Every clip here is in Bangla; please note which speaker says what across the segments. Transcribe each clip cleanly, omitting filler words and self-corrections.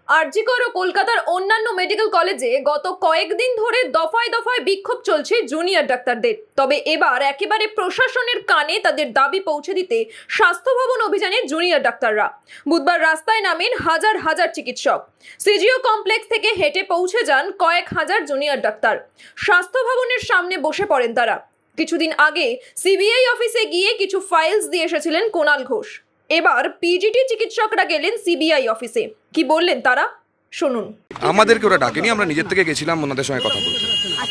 Speaker 1: আরজি কর ও কলকাতার অন্যান্য মেডিকেল কলেজে গত কয়েকদিন ধরে দফায় দফায় বিক্ষোভ চলছে জুনিয়র ডাক্তারদের। তবে এবার একেবারে প্রশাসনের কানে তাদের দাবি পৌঁছে দিতে স্বাস্থ্য ভবন অভিযানে জুনিয়র ডাক্তাররা বুধবার রাস্তায় নামেন হাজার হাজার চিকিৎসক। সিজিও কমপ্লেক্স থেকে হেঁটে পৌঁছে যান কয়েক হাজার জুনিয়র ডাক্তার। স্বাস্থ্য ভবনের সামনে বসে পড়েন তারা। কিছুদিন আগে সিবিআই অফিসে গিয়ে কিছু ফাইলস দিয়ে এসেছিলেন কুণাল ঘোষ। এবার পিজিটি চিকিৎসকরা গেলেন সিবিআই অফিসে। কি বললেন তারা শুনুন।
Speaker 2: আমাদেরকে ওরা ডাকেনি, আমরা নিজের থেকে গেছিলাম ওনাদের সঙ্গে কথা বলতে।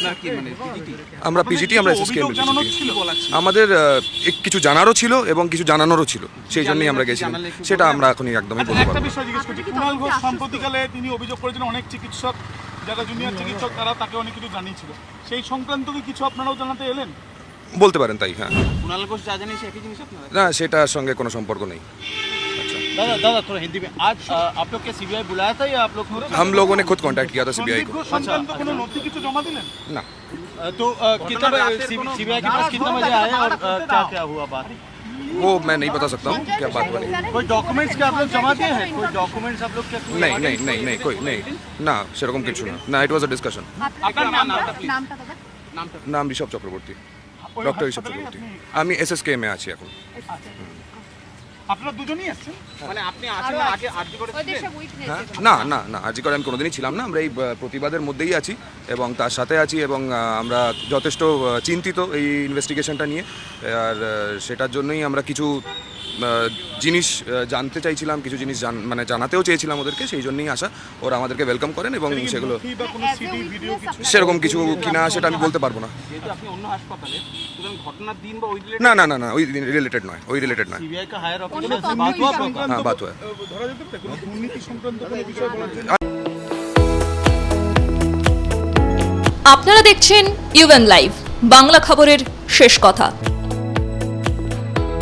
Speaker 2: আমরা পিজিটি, আমরা এসএসকে। আমাদের কিছু জানারও ছিল এবং কিছু জানানোরও ছিল, সেই জন্যই আমরা গেছিলাম। সেটা আমরা এখনই একদমই বলতে পারবো।
Speaker 3: একটা বিষয় জিজ্ঞেস করছি, কুণাল ঘোষ সম্প্রতিকালে তিনি অভিযোগ করেছেন অনেক চিকিৎসক যারা জুনিয়র চিকিৎসক তারা তাকে অনেক কিছু জানিয়েছিল, সেই সংক্রান্ত কি কিছু আপনারাও জানাতে এলেন?
Speaker 2: বলতে পারেন তাই, হ্যাঁ।
Speaker 4: कुणाल घोष जा जाने से एक ही जिनिस আপনারা?
Speaker 2: না, সেটার সঙ্গে কোনো সম্পর্ক নেই।
Speaker 4: दादा दादा थोड़ा हिंदी में आज आप लोग के सीबीआई बुलाया था या आप लोग
Speaker 2: हम लोगों ने खुद कांटेक्ट किया था सीबीआई
Speaker 3: সন্দীপ
Speaker 2: को।
Speaker 3: ঘোষ সংক্রান্ত কোনো নথি কিছু জমা দিলেন?
Speaker 2: ना,
Speaker 4: तो कितना सीबीआई के पास कितना बजे आए और क्या क्या हुआ बात?
Speaker 2: वो मैं नहीं बता सकता हूँ क्या बात बनी।
Speaker 4: कोई डॉक्यूमेंट्स क्या आप लोग जमा दिए हैं? कोई डॉक्यूमेंट्स आप लोग क्या
Speaker 2: नहीं नहीं नहीं नहीं कोई नहीं না, সেরকম কিছু না। না, ইট ওয়াজ আ ডিসকাশন।
Speaker 4: আপনার নামটা প্লিজ।
Speaker 2: নাম ঋষভ চক্রবর্তী, ডক্টর ঋষভ চক্রবর্তী। আমি এসএসকে মে আছি এখন।
Speaker 3: আপনারা দুজনেই আসছেন?
Speaker 4: মানে আপনি আছেন না আগে আরজি করেছিলেন?
Speaker 2: হ্যাঁ, না না না, আজকে করে আমি কোনোদিনই ছিলাম না। আমরা এই প্রতিবাদের মধ্যেই আছি এবং তার সাথে আছি এবং আমরা যথেষ্ট চিন্তিত এই ইনভেস্টিগেশনটা নিয়ে। আর সেটার জন্যই আমরা কিছু জিনিস জানতে চাইছিলাম, কিছু জিনিস মানে জানাতেও চেয়েছিলাম ওদেরকে, সেই জন্যই আসা। ওরা আমাদেরকে ওয়েলকাম করেন এবং সেগুলো
Speaker 3: নথি বা কোনো সিডি ভিডিও কিছু?
Speaker 2: সেরকম কিছু কিনা সেটা আমি বলতে পারবো না।
Speaker 4: যেহেতু আপনি অন্য হাসপাতালে, সুতরাং ঘটনার দিন বা ওই রিলেটেড
Speaker 2: না না না না, ওই রিলেটেড নয়, ওই রিলেটেড নয়।
Speaker 4: सीबीआई का हायर ऑफिसर से बात हुआ आप लोग का?
Speaker 2: হ্যাঁ, বাত হয়।
Speaker 3: ধরা যেতে পারে কোনো দুর্নীতি সংক্রান্ত কোনো বিষয় বলার জন্য?
Speaker 1: আপনারা দেখছেন ইউএন লাইভ, বাংলা খবরের শেষ কথা।